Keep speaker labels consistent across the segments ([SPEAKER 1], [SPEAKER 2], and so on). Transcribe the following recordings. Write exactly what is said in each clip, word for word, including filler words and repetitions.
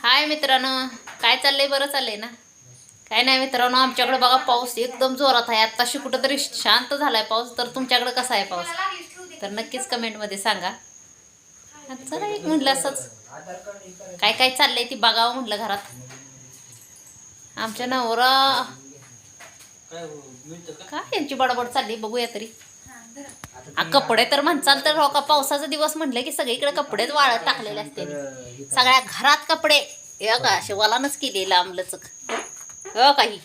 [SPEAKER 1] हाय मित्रांनो, काय चाललंय? बरं चाललंय ना? काय नाही मित्रांनो, आमच्याकडे बघा पाऊस एकदम जोरात आहे. आत्ताशी कुठंतरी शांत झालाय पाऊस. तर तुमच्याकडे कसा आहे पाऊस? तर नक्कीच कमेंटमध्ये सांगा. चला एक म्हटलं असंच काय काय चाललंय ती बघावं म्हटलं घरात. आमच्या नवरा काय यांची बडबड चालली बघूया तरी. आ, कपडे तर म्हणचाल तर हो का, पावसाचा दिवस म्हटलं की सगळीकडे कपडेच वाळत टाकलेले असते. सगळ्या घरात कपडे हे का असे वलानच केले लांबलचक हो काही.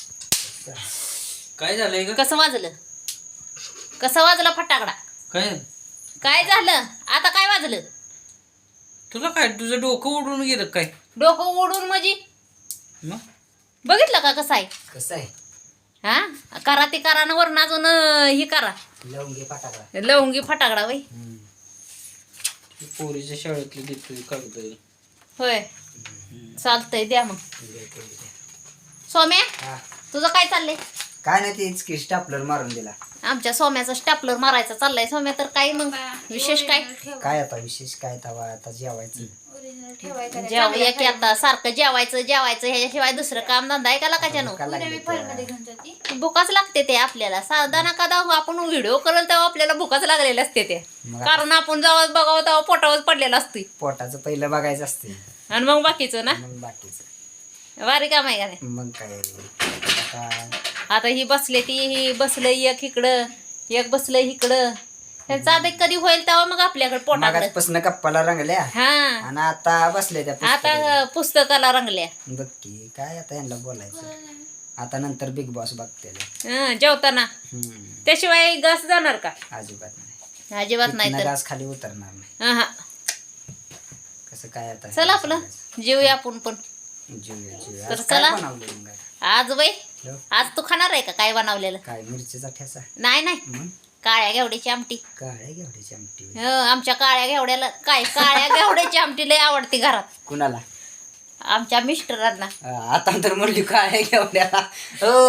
[SPEAKER 2] काय झालंय ग?
[SPEAKER 1] कसं वाजलं कसं वाजलं फटाकडा?
[SPEAKER 2] काय
[SPEAKER 1] काय झालं आता? काय वाजलं?
[SPEAKER 2] तुला काय तुझं डोकं उडून गेलं काय?
[SPEAKER 1] डोकं ओढून म्हणजे
[SPEAKER 2] मग
[SPEAKER 1] बघितलं का कसं आहे?
[SPEAKER 3] कसं आहे?
[SPEAKER 1] हा करा ते करा ना, वरून अजून ही करा
[SPEAKER 3] लवंगी फटाकडा.
[SPEAKER 1] लवंगी फटाकडा वय.
[SPEAKER 2] पोरीच्या शाळेतली देतोय कागद.
[SPEAKER 1] होय चालतंय, द्या मग. सोम्या
[SPEAKER 3] हा.
[SPEAKER 1] तुझं काय चाललंय?
[SPEAKER 3] काय नाही, तेच की स्टापलर मारून दिला.
[SPEAKER 1] आमच्या सोम्याचा स्टॅपलर मारायचा चाललाय. सोम्या तर काय मग विशेष काय?
[SPEAKER 3] काय आता विशेष काय तवा आता जेवायचं.
[SPEAKER 1] जेवूया की आता, सारखं जेवायचं जेवायचं ह्याच्याशिवाय दुसरं काम धंदा आहे का लागायच्यानो?
[SPEAKER 3] का लागले त्या?
[SPEAKER 1] भुकाच लागते ते आपल्याला. साधा ना कदा आपण व्हिडिओ करेल तेव्हा आपल्याला भुकाच लागलेले असते ते.
[SPEAKER 3] मग
[SPEAKER 1] कारण आपण जेव्हा बघावं तेव्हा पोटावर पडलेला असतोय.
[SPEAKER 3] पोटाचं पहिलं बघायचं असते,
[SPEAKER 1] आणि मग बाकीचं ना
[SPEAKER 3] मग बाकीचं.
[SPEAKER 1] वारी काम आहे का नाही?
[SPEAKER 3] मग काय आता
[SPEAKER 1] आता ही बसले ती ही बसलं एक इकडं एक बसलं इकडं. त्यांचा आता कधी होईल तेव्हा मग आपल्याकडे पोटाकडे.
[SPEAKER 3] मागासपासून गप्पाला रंगल्या
[SPEAKER 1] हा
[SPEAKER 3] आणि आता बसले त्या पुस्तकाला.
[SPEAKER 1] आता पुस्तकाला रंगल्या.
[SPEAKER 3] बघ की काय आता यांना बोलायचं. आता नंतर बिग बॉस बघते.
[SPEAKER 1] हं, जेवताना त्याशिवाय घास जाणार का?
[SPEAKER 3] अजिबात नाही,
[SPEAKER 1] अजिबात नाही तर
[SPEAKER 3] घास खाली उतरणार नाही.
[SPEAKER 1] हा.
[SPEAKER 3] कसं काय आता?
[SPEAKER 1] चला आपलं जेवूया आपण पण.
[SPEAKER 3] जेवूया जेवूया.
[SPEAKER 1] तर
[SPEAKER 3] आज काय
[SPEAKER 1] चला.
[SPEAKER 3] बनवलं मग?
[SPEAKER 1] आज बाई
[SPEAKER 3] हो.
[SPEAKER 1] आज तू खाणार आहे का काय बनवलेलं?
[SPEAKER 3] काय मिरचीचा ठेसा?
[SPEAKER 1] नाही नाही,
[SPEAKER 3] मग
[SPEAKER 1] काळ्या घेवड्याची आमटी.
[SPEAKER 3] काळ्या घेवड्याची आमटी.
[SPEAKER 1] हं, आमच्या काळ्या घेवड्याला काय काळ्या घेवड्याची आमटी लय आवडते घरात
[SPEAKER 3] कुणाला?
[SPEAKER 1] आमच्या मिस्टरांना.
[SPEAKER 3] अं, आता तर म्हणली काळ्या घेवड्याला. हो.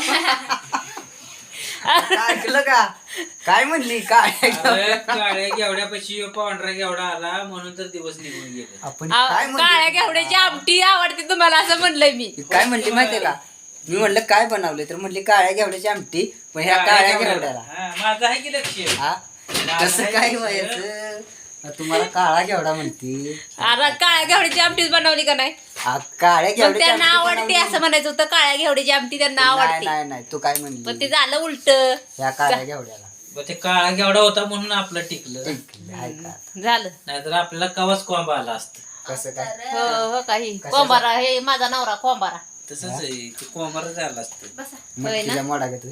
[SPEAKER 3] आता ऐकलं का? काय म्हणली काळ्या घेवड्या?
[SPEAKER 2] काळ्या घेवड्यापाशी पांढरा घेवडा आला म्हणून तर दिवस निघून गेले.
[SPEAKER 3] आपण
[SPEAKER 1] अहो,
[SPEAKER 3] काय
[SPEAKER 1] काळ्या
[SPEAKER 3] म्हणली?
[SPEAKER 1] घेवड्याची आमटी आवडते तुम्हाला असं म्हणलंय मी.
[SPEAKER 3] काय म्हणली माहितीये का? मी म्हणलं काय बनवले तर म्हणली काळ्या घेवड्याची आमटी. पण ह्या काळ्या घेवड्याला
[SPEAKER 2] हा, माझं आहे की लक्ष.
[SPEAKER 3] हा कसं काय व्हायचं? तुम्हाला काळा घेवडा म्हणती.
[SPEAKER 1] आता काळ्या घेवड्याची आमटीच बनवली का नाही?
[SPEAKER 3] आ, काळ्या
[SPEAKER 1] पण
[SPEAKER 3] घेवड्याची
[SPEAKER 1] त्यांना
[SPEAKER 3] आमटी
[SPEAKER 1] आवडते
[SPEAKER 3] बनवली.
[SPEAKER 1] असं म्हणायचं होतं. काळ्या घेवड्याची आमटी त्यांना
[SPEAKER 3] नाही
[SPEAKER 1] आवडते.
[SPEAKER 3] नाही नाही, तू काय
[SPEAKER 1] पण ते
[SPEAKER 3] म्हणली?
[SPEAKER 1] झालं उलट.
[SPEAKER 3] ह्या काळ्या घेवड्याला
[SPEAKER 2] मग ते काळा घेवडा होता म्हणून आपलं टिकलं.
[SPEAKER 3] ठीक आहे का?
[SPEAKER 1] झालं.
[SPEAKER 2] नाहीतर आपल्याला कवाच कोंबा आला असत.
[SPEAKER 3] कसं काय?
[SPEAKER 1] हो हो काही
[SPEAKER 3] कशाचं?
[SPEAKER 1] कोंबारा हे माझा नवरा कोंबारा.
[SPEAKER 2] तसंच आहे ते कोंबारा झाला असत.
[SPEAKER 3] मटकीच्या मोडा घेतोय.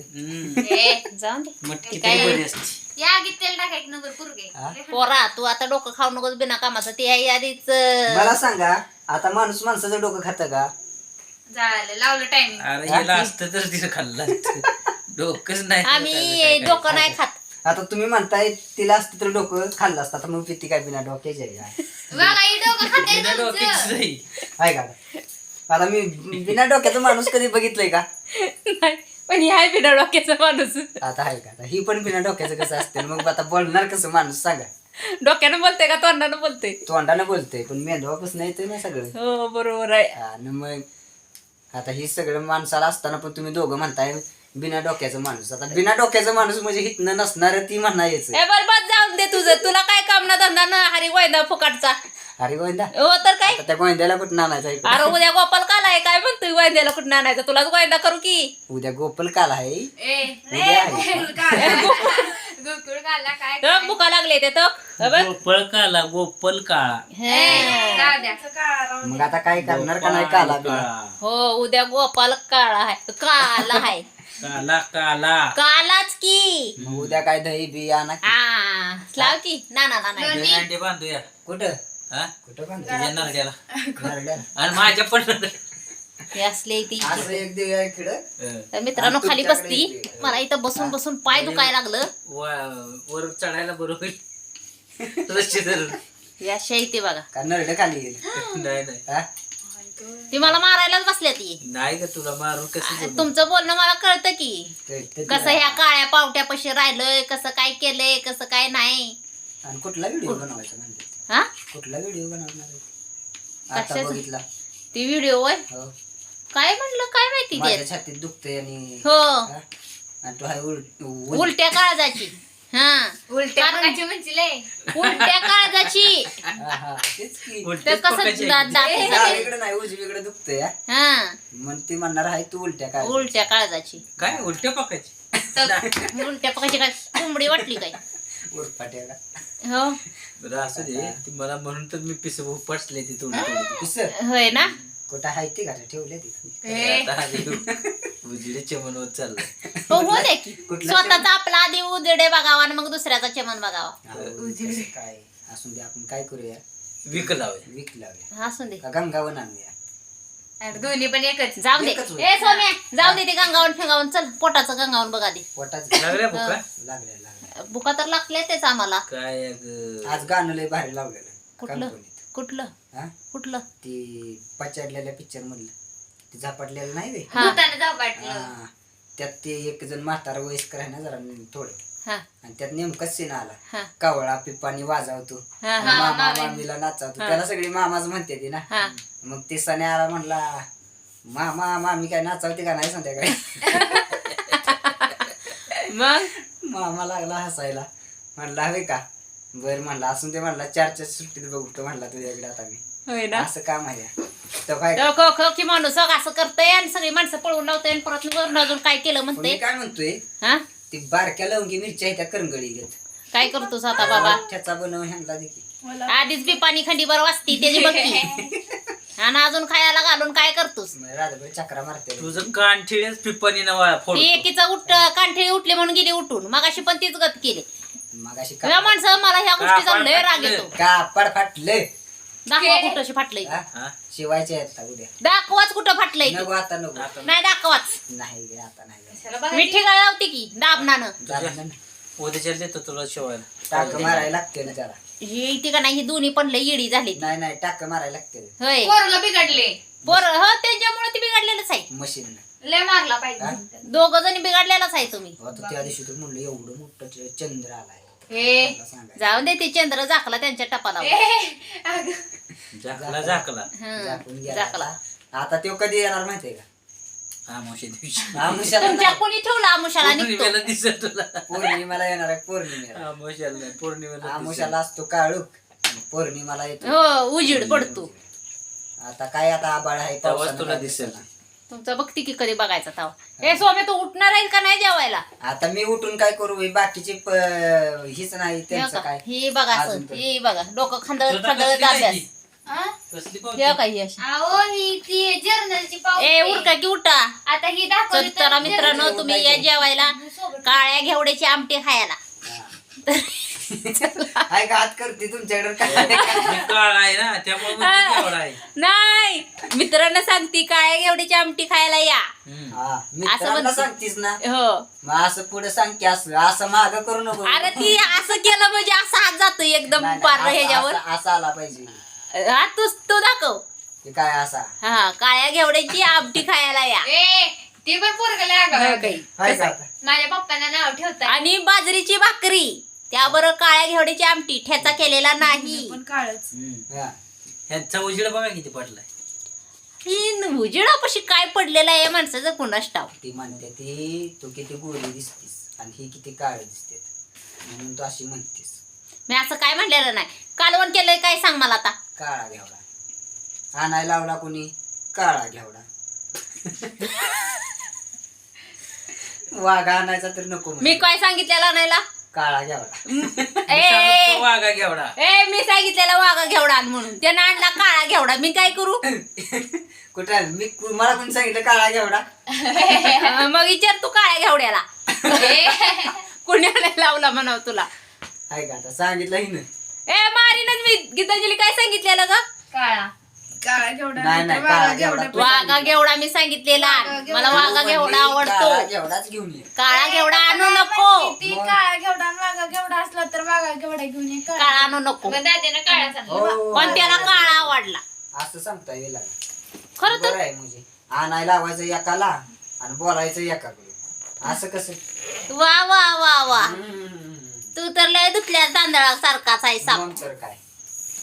[SPEAKER 1] ए, जाऊन दे.
[SPEAKER 2] मटकी
[SPEAKER 1] काय?
[SPEAKER 2] तरी बरी असते.
[SPEAKER 4] या गीत तेल टाकायचं नगर पुरगे.
[SPEAKER 3] हा?
[SPEAKER 1] पोरा तू आता डोकं खाऊ नकोस बिना कामाचं. ते आहे आधीच.
[SPEAKER 3] मला सांगा, आता माणूस माणसाचं डोकं खातं का?
[SPEAKER 4] झालं लावलं टायमिंग.
[SPEAKER 2] अरे ह्याला असतं तर तिथं खाल्लं असतं. डोकंच नाही तर
[SPEAKER 1] आम्ही
[SPEAKER 2] काय
[SPEAKER 1] डोकं नाही खात.
[SPEAKER 3] आता तुम्ही म्हणताय तिला असतं तर डोकं खाल्लं असतं. आता मग किती काय बिना डोक्याची आहे का?
[SPEAKER 4] बघा ही डोकं खाते
[SPEAKER 2] बिना डोक्याचीच आहे.
[SPEAKER 3] आहे का? आता मी बिना डोक्याचा माणूस कधी बघितलंय का?
[SPEAKER 1] नाही, पण ही आहे बिना डोक्याचा माणूस.
[SPEAKER 3] आता आहे का? आता ही पण बिना डोक्याचं कसं असते? मग आता बोलणार कसं माणूस सांगा?
[SPEAKER 1] डोक्यानं बोलते का तोंडानं बोलते?
[SPEAKER 3] तोंडानं बोलतोय पण मेंदवापासून येतोय ना सगळं.
[SPEAKER 1] हो बरोबर आहे.
[SPEAKER 3] आणि मग आता ही सगळं माणसाला असताना पण तुम्ही दोघं म्हणताय बिना डोक्याचं माणूस. आता बिना डोक्याचं माणूस म्हणजे हितनं नसणार ती म्हणायचं.
[SPEAKER 1] ए बरबाद जाऊन दे तुझं. तुला काय काम ना धंदा ना हरी गोयंदा फुकाटचा.
[SPEAKER 3] अरे गोविंदा,
[SPEAKER 1] हो तर काय.
[SPEAKER 3] आता त्या गोविंद्याला कुठं आणायचं इकडं?
[SPEAKER 1] अरे उद्या गोपाल काला आहे काय म्हणतोय गोयंद्याला कुठं आणायचं? तुलाच गोयंदा करू की.
[SPEAKER 3] उद्या गोपाल काल आहे.
[SPEAKER 4] ए
[SPEAKER 3] उद्या आहे का?
[SPEAKER 4] गोकुळ काढला काय
[SPEAKER 1] तर भुका लागले ते तर. हो बघ.
[SPEAKER 2] गोपळ काला गोपल काळा.
[SPEAKER 1] हे.
[SPEAKER 4] जाऊ द्या.
[SPEAKER 3] मग आता काय करणार का नाही काला बिला?
[SPEAKER 1] हो उद्या गोपाल काळा आहे. काला आहे.
[SPEAKER 2] काला काला
[SPEAKER 1] कालाच की.
[SPEAKER 3] मग उद्या काय दही बी आणा की.
[SPEAKER 1] हा लाव की. ना ना ना ना.
[SPEAKER 2] दोन अंडे बांधूया.
[SPEAKER 3] कुठं
[SPEAKER 2] हा
[SPEAKER 3] कुठं बांधतो?
[SPEAKER 2] तुझ्या नरड्याला
[SPEAKER 3] नरड्याला.
[SPEAKER 2] आणि माझ्या पण
[SPEAKER 1] हे असले ती.
[SPEAKER 3] असं एक देऊया इकडं.
[SPEAKER 1] तर मित्रांनो खाली बसती. मला इथं बसून बसून पाय दुखायला लागलं.
[SPEAKER 2] वर चढायला बरोबर लक्ष धरून.
[SPEAKER 1] हे अशा इथे बघा.
[SPEAKER 3] का नरड खाली गेली?
[SPEAKER 2] नाही नाही
[SPEAKER 3] हा?
[SPEAKER 1] ती मला मारायलाच बसल्या ती.
[SPEAKER 2] नाही का तुला मारून कसं जमलं?
[SPEAKER 1] तुमचं बोलणं मला कळतं की.
[SPEAKER 3] ते- ते-
[SPEAKER 1] कसं ह्या काळ्या पावट्यापाशी राहिलंय, कसं काय केलंय, कसं काय नाही.
[SPEAKER 3] आणि कुठला व्हिडिओ बनवायचा म्हणजे?
[SPEAKER 1] हा
[SPEAKER 3] कुठला व्हिडिओ बनवणार आहे? आता
[SPEAKER 1] कशाचं?
[SPEAKER 3] बघितला
[SPEAKER 1] ती व्हिडिओ वय
[SPEAKER 3] हो
[SPEAKER 1] काय म्हणलं काय माहिती
[SPEAKER 3] माझ्या
[SPEAKER 1] ते
[SPEAKER 3] छातीत दुखतंय आणि
[SPEAKER 1] हो
[SPEAKER 3] हा? आणि तो हाय उल- उल-
[SPEAKER 1] उलट्या काळजाची हा
[SPEAKER 4] उलट्या
[SPEAKER 1] कारण-
[SPEAKER 4] पकाची म्हणजे लय
[SPEAKER 1] उलट्या काळजाची
[SPEAKER 3] हा, हा, तेच की
[SPEAKER 1] ते
[SPEAKER 2] उलटेच
[SPEAKER 1] कसं
[SPEAKER 2] पकायचे
[SPEAKER 1] दा-
[SPEAKER 2] आहे.
[SPEAKER 1] दात सगळे-
[SPEAKER 3] डावीकडे नाही उजवीकडे दुखतंय हा.
[SPEAKER 1] हा
[SPEAKER 3] मग ती म्हणणार आहे तू उलट्या काय
[SPEAKER 1] उलट्या काळजाची
[SPEAKER 2] काय उलट्या पकायचे
[SPEAKER 1] उलट्या पकायची काय कोंबडी वाटली काय
[SPEAKER 3] उरफाट्या का
[SPEAKER 1] हो
[SPEAKER 2] बरं असू दे ती मला म्हणून तर मी पिस पसले ती थोडी थोडी
[SPEAKER 3] पिसर
[SPEAKER 1] होय ना
[SPEAKER 3] कुठं आहे ती का ठेवले ती
[SPEAKER 4] ए,
[SPEAKER 2] आता आली उजिडे चमन होत चाललंय
[SPEAKER 1] हो हो दे की
[SPEAKER 3] कुठलं
[SPEAKER 1] स्वतःचा आपला आधी उजेडे बघावा आणि मग दुसऱ्याचा चमन बघावा
[SPEAKER 3] अहो, कसं काय असून दे आपण काय करूया
[SPEAKER 2] विक लावे
[SPEAKER 3] विक लावूया
[SPEAKER 1] असून दे
[SPEAKER 3] का गंगावन आणूया
[SPEAKER 4] अरे दोन्ही पण एकच
[SPEAKER 1] जाऊ दे
[SPEAKER 3] एकच होय.
[SPEAKER 1] ए सोम्या जाऊ दे ते गंगावन फेंगावन चल पोटाचं गंगावन बघा दे
[SPEAKER 3] पोटाच
[SPEAKER 2] लागल्या बुका
[SPEAKER 3] लागल्या लागल्या
[SPEAKER 1] बुका तर लागले तेच आम्हाला
[SPEAKER 2] काय अगं.
[SPEAKER 3] आज गाणं लय भारी लावलेलं
[SPEAKER 1] कुठलं
[SPEAKER 3] कंपनीत
[SPEAKER 1] कुठलं
[SPEAKER 3] हा
[SPEAKER 1] कुठलं
[SPEAKER 3] ती पचाडलेल्या पिक्चर मधलं ते झपाटलेलं नाही वे
[SPEAKER 1] हा
[SPEAKER 4] भूतानं जाऊ वाटलं
[SPEAKER 3] हा. त्यात ते एक जण म्हातारा वयस्कर आहे ना जरा थोडं
[SPEAKER 1] हा
[SPEAKER 3] आणि त्यात नेमकाच सीन आला
[SPEAKER 1] हा
[SPEAKER 3] कावळा पिप्पानी वाजवतो
[SPEAKER 1] हा हा
[SPEAKER 3] मामा मामीला नाचावतो त्याला सगळी मामाच म्हणते ती ना
[SPEAKER 1] हा
[SPEAKER 3] मग ते सणे आला म्हणला मामा मामी काय नाचावते का नाही संध्याकाळी
[SPEAKER 1] मग
[SPEAKER 3] मामा लागला हसायला म्हणला हवे का बर म्हणला असून ते म्हणला चारच्या सुट्टीत बघतो म्हणला तुझ्याकडे आता मी
[SPEAKER 1] होय ना
[SPEAKER 3] असं काम आहे तर काय
[SPEAKER 1] तो खो खो की माणूस अगं असं करतय आणि सगळी माणसं पळून लावतय आणि परत वरून अजून काय केलं
[SPEAKER 3] पण मी
[SPEAKER 1] म्हणते
[SPEAKER 3] काय म्हणतोय
[SPEAKER 1] हा
[SPEAKER 3] ती बारक्या लवंगी मिरच्या त्या करंगळी घेत
[SPEAKER 1] काय करतोस आता बाबा
[SPEAKER 3] ठ्याचा बनव ह्यांना देखील
[SPEAKER 1] आधीच बी पाणी खंडीभर वाजती त्याची बघती आणि अजून खायला घालून काय करतोस
[SPEAKER 3] रात्रभर चक्रा मारते
[SPEAKER 2] तुझं कानठिळेच पिप्पानी नवा
[SPEAKER 1] ती
[SPEAKER 2] फोड
[SPEAKER 1] एकीचा उठ कांठळी उठली म्हणून गेली उठून मग अशी पण तीच गत केली
[SPEAKER 3] मग अशी
[SPEAKER 1] या माणसं मला ह्या गोष्टीचा लय राग येतो
[SPEAKER 3] कापड फाटले
[SPEAKER 1] दाखवा कुठं अशी फाटलंय
[SPEAKER 2] हा?
[SPEAKER 3] शिवायचे आहेत का उद्या
[SPEAKER 1] दाखवाच कुठं फाटलंय ते.
[SPEAKER 3] नको आता नको
[SPEAKER 2] आता
[SPEAKER 1] नाही दाखवाच
[SPEAKER 3] नाही गे, आता नाही गे.
[SPEAKER 4] चला बघा
[SPEAKER 1] मी ठिकाण लावते की दाबनानं
[SPEAKER 3] झालं ना.
[SPEAKER 2] उद्याच्या देतो तुला शिवायला
[SPEAKER 3] टाक मारायला लागते ना त्याला
[SPEAKER 1] ही ती का नाही ही दोन्ही पण लय येडी झाली ती.
[SPEAKER 3] नाही नाही टाक मारायला लागते
[SPEAKER 1] होय
[SPEAKER 4] पोरला बिघडले
[SPEAKER 1] पोर हो त्यांच्यामुळे ती बिघडलेलंच आहे
[SPEAKER 3] मशीन
[SPEAKER 4] लय मारला पाहिजे
[SPEAKER 1] दोघ जणी बिघडलेलाच आहे तुम्ही
[SPEAKER 3] आता त्या दिवशी तू म्हणलं एवढं मोठं ते चंद्र आलाय
[SPEAKER 4] ए
[SPEAKER 3] मला सांगायचं.
[SPEAKER 1] जाऊन दे ते चंद्र झाकला त्यांच्या टपाला
[SPEAKER 4] ए, अगं.
[SPEAKER 2] झाकला झाकला
[SPEAKER 3] झाकून गेला
[SPEAKER 1] झाकला
[SPEAKER 3] आता. आता तो कधी येणार माहितीये का
[SPEAKER 2] हा मावशी दिवशी
[SPEAKER 3] आमुषाला
[SPEAKER 1] तुमच्या
[SPEAKER 3] नाही.
[SPEAKER 1] कोणी ठेवला आमुषाला निघतो
[SPEAKER 2] पौर्णिमेला दिसत तुला
[SPEAKER 3] पौर्णिमेला येणार आहे पौर्णिमेला
[SPEAKER 2] आमुषाला नाही पौर्णिमेला दिसेल.
[SPEAKER 3] आमुषाला असतो काळूक आणि पौर्णिमाला येतो
[SPEAKER 1] हो उजीड पडतो
[SPEAKER 3] आता काय आता आबाळ आहे
[SPEAKER 2] तेव्हाच
[SPEAKER 3] पावसानं
[SPEAKER 2] तुला
[SPEAKER 3] काय
[SPEAKER 2] दिसेल.
[SPEAKER 3] दिसेना.
[SPEAKER 1] तुमचा बघती की कधी बघायचा ताव हे सोमे तू उठणार आहे का नाही जेवायला
[SPEAKER 3] आता मी उठून काय करू हे बाकीचे प- हीच नाही
[SPEAKER 1] हे
[SPEAKER 3] त्यांचं
[SPEAKER 1] का?
[SPEAKER 3] काय
[SPEAKER 1] ही बघा असं
[SPEAKER 3] अजून तर.
[SPEAKER 1] ही बघा डोकं खांदळ
[SPEAKER 2] तुझं
[SPEAKER 1] खांदळ
[SPEAKER 2] कसली काय
[SPEAKER 1] अभ्यास
[SPEAKER 2] ती?
[SPEAKER 4] आ?
[SPEAKER 2] कसली
[SPEAKER 1] हे
[SPEAKER 2] पावती?
[SPEAKER 1] काय ही अशी
[SPEAKER 4] अहो ही ती जर्नलची पावती
[SPEAKER 1] ए उरका की उठा
[SPEAKER 4] आता ही
[SPEAKER 1] तर
[SPEAKER 4] दाखवली तर
[SPEAKER 1] चला मित्रांनो तुम्ही या जेवायला
[SPEAKER 4] सोबत.
[SPEAKER 1] काळ्या घेवड्याची आमटी खायला
[SPEAKER 3] हाय का हात करते तुमच्याकडे काय
[SPEAKER 2] मी काळा आहे ना त्यामुळे मग ती केवढा आहे
[SPEAKER 1] नाही मित्रांना सांगती काळ्या घेवड्याची आमटी खायला या
[SPEAKER 2] हम्म.
[SPEAKER 3] हा मित्रांना
[SPEAKER 1] म्हणते.
[SPEAKER 3] सांगतीस ना
[SPEAKER 1] हो
[SPEAKER 3] मग असं पुढे सांग की असं असं माग करू नको
[SPEAKER 1] अरे ती असं केलं म्हणजे असं हात जातो एकदम
[SPEAKER 3] नाही, नाही,
[SPEAKER 1] पार
[SPEAKER 3] असं-
[SPEAKER 1] ह्याच्यावर
[SPEAKER 3] असं- असं आला पाहिजे
[SPEAKER 1] हा तू तू दाखव
[SPEAKER 3] ते काय असा
[SPEAKER 1] हा काळ्या घेवड्याची आमटी खायला या
[SPEAKER 4] ए ती पण पोरगला
[SPEAKER 1] हो काही.
[SPEAKER 3] हाय का आता?
[SPEAKER 4] माझ्या पप्पांना नाव ठेवतात
[SPEAKER 1] आणि बाजरीची भाकरी त्याबरोबर काळ्या घेवड्याची आमटी ठेचा केलेला नाही
[SPEAKER 4] पण काळच
[SPEAKER 2] हम्म.
[SPEAKER 3] हा.
[SPEAKER 2] ह्यांचा उजेड बघा किती पडलाय
[SPEAKER 1] ही उजेडापाशी काय पडलेला आहे माणसाचं कुणास ठाव
[SPEAKER 3] ती म्हणते ती तू किती गोरी दिसतीस आणि ही किती काळी दिसते म्हणून तू अशी म्हणतीस
[SPEAKER 1] मी असं काय म्हणलेलं नाही कालवण केलंय काय सांग मला आता
[SPEAKER 3] काळा घेवडा आणायला लावला कोणी काळा घेवडा वाघा आणायचा तर नको म्हणे.
[SPEAKER 1] मी काय सांगितलेलं आणायला
[SPEAKER 3] काळा घेवडा
[SPEAKER 1] ए
[SPEAKER 2] वाघा घेवडा
[SPEAKER 1] ए मी सांगितलेला वाघा घेवडा आण म्हणून त्यानं आणला काळा घेवडा मी काय करू
[SPEAKER 3] कुठं मी मला कोणी सांगितलं काळा घेवडा
[SPEAKER 1] अं, मग विचार तू काळ्या घेवड्याला कुणाला लावला म्हणाव तुला
[SPEAKER 3] आहे का आता सांगितलं हिनं
[SPEAKER 1] ए मारीनच मी गीतांजली काय सांगितलेलं ग
[SPEAKER 4] काळा काळा घेवडा
[SPEAKER 3] नाही नाही काळा घेवडा तू
[SPEAKER 1] वाघा
[SPEAKER 3] सांगितलं.
[SPEAKER 1] घेवडा मी सांगितलेला मला वाघा
[SPEAKER 3] तू
[SPEAKER 1] घेवडा
[SPEAKER 3] म्हणली काळा
[SPEAKER 1] आवडतो
[SPEAKER 3] घेवडाच घेऊन ये
[SPEAKER 1] काळा घेवडा आणू नको
[SPEAKER 4] ती काळा घेवडा आणि वाघा घेवडा असला तर वाघा घेवडा घेऊन ये
[SPEAKER 1] काळा आणू नको
[SPEAKER 4] दाद्यानं काळा सांगितलं
[SPEAKER 3] हो.
[SPEAKER 1] पण त्याला काळा आवडला
[SPEAKER 3] असं सांगता येईल
[SPEAKER 1] खरं तर
[SPEAKER 3] बरं आहे म्हणजे आणायला लावायचं एकाला आणि बोलायचं एकाकडे असं कसं
[SPEAKER 1] वा वा वा वा
[SPEAKER 3] हम्म.
[SPEAKER 1] तू तर लय दुखल्या तांदळासारखाच आहे साप
[SPEAKER 3] मग तर काय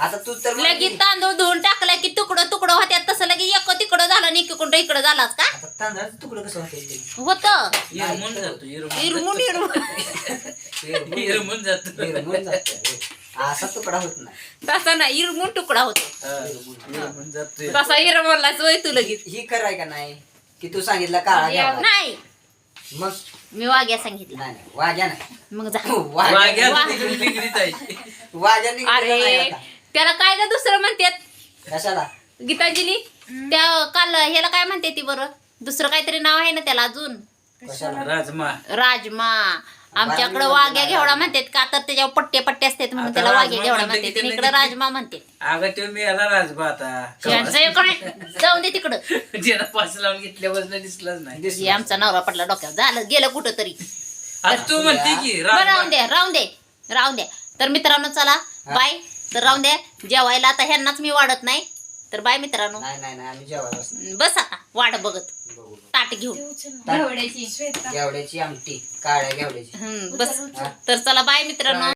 [SPEAKER 3] आता तू तर
[SPEAKER 1] लगेच
[SPEAKER 3] म्हणली,
[SPEAKER 1] तांदूळ धुवून टाकला की तुकडं तुकडं होत्यात तसं लगेच एक तिकडं झालं आणि इकडं इकडं झालाच का
[SPEAKER 3] आता तांदळाचं तुकडं कसं होतं
[SPEAKER 1] होत
[SPEAKER 2] इरमून जातो इरमून
[SPEAKER 1] इरमून इरमून
[SPEAKER 2] इरमून जातो
[SPEAKER 3] निर्मूल जातं. असा तुकडा होत नाही.
[SPEAKER 1] तसा ना इरमून तुकडा होतो
[SPEAKER 2] हा, इरमून जातो
[SPEAKER 1] तसा इरमलाच वय तू लगेच
[SPEAKER 3] ही कराय का नाही की तू सांगितलं काळा घ्यावा
[SPEAKER 1] नाही
[SPEAKER 3] मग
[SPEAKER 1] मी वाग्या सांगितलं
[SPEAKER 3] नाही नाही, वाघ्या नाही
[SPEAKER 1] मग जा
[SPEAKER 3] वाघ्या
[SPEAKER 2] वाघ्या
[SPEAKER 1] वा-
[SPEAKER 2] तिकडे तिकडीच आहे
[SPEAKER 3] वाघ्या निघाला नाही
[SPEAKER 1] अरे
[SPEAKER 3] आता.
[SPEAKER 1] त्याला काय ग दुसरं म्हणतात
[SPEAKER 3] कशाला
[SPEAKER 1] गीतांजली त्या काल ह्याला काय म्हणते ती बरं दुसरं काहीतरी नाव आहे ना त्याला अजून
[SPEAKER 3] कशाला
[SPEAKER 2] राजमा
[SPEAKER 1] राजमा आमच्याकडे
[SPEAKER 3] बारावी
[SPEAKER 1] वाघ्या
[SPEAKER 3] मध्ये
[SPEAKER 1] घेवडा म्हणतात का तर त्याच्यावर पट्टे पट्टे असतात म्हणून
[SPEAKER 2] आता
[SPEAKER 1] त्याला वाघ्या
[SPEAKER 2] राजमा
[SPEAKER 1] घेवडा
[SPEAKER 2] म्हणते की
[SPEAKER 1] म्हणतात
[SPEAKER 2] त्याला
[SPEAKER 1] इकडे
[SPEAKER 2] किती-
[SPEAKER 1] राजमा म्हणते
[SPEAKER 2] अगं तो मी याला राजमा आता
[SPEAKER 1] यांचं एक काय जाऊन दे तिकडं
[SPEAKER 2] ज्याला पास लावून घेतल्यावर दिसलाच नाही
[SPEAKER 1] हे
[SPEAKER 3] दिसलं.
[SPEAKER 1] आमचा नवरा पडला डोक्यावर झालं गेलं कुठं तरी
[SPEAKER 2] आता तू म्हणते की
[SPEAKER 1] बरं राहून
[SPEAKER 2] राजमा
[SPEAKER 1] दे राहून दे राहून दे तर मित्रांनो चला बाय तर राहून द्या जेवायला आता ह्यांनाच मी वाढत नाही तर बाय मित्रांनो
[SPEAKER 3] नाही नाही नाही आम्ही जेवायला बसणार.
[SPEAKER 1] बस आता वाट बघत
[SPEAKER 3] बघू.
[SPEAKER 1] ताट घेऊन
[SPEAKER 3] ताट-
[SPEAKER 4] श्वेता
[SPEAKER 3] घेवड्याची आमटी काळ्या घेवड्याची
[SPEAKER 1] हम्म बस
[SPEAKER 3] हा.
[SPEAKER 1] तर चला बाय मित्रांनो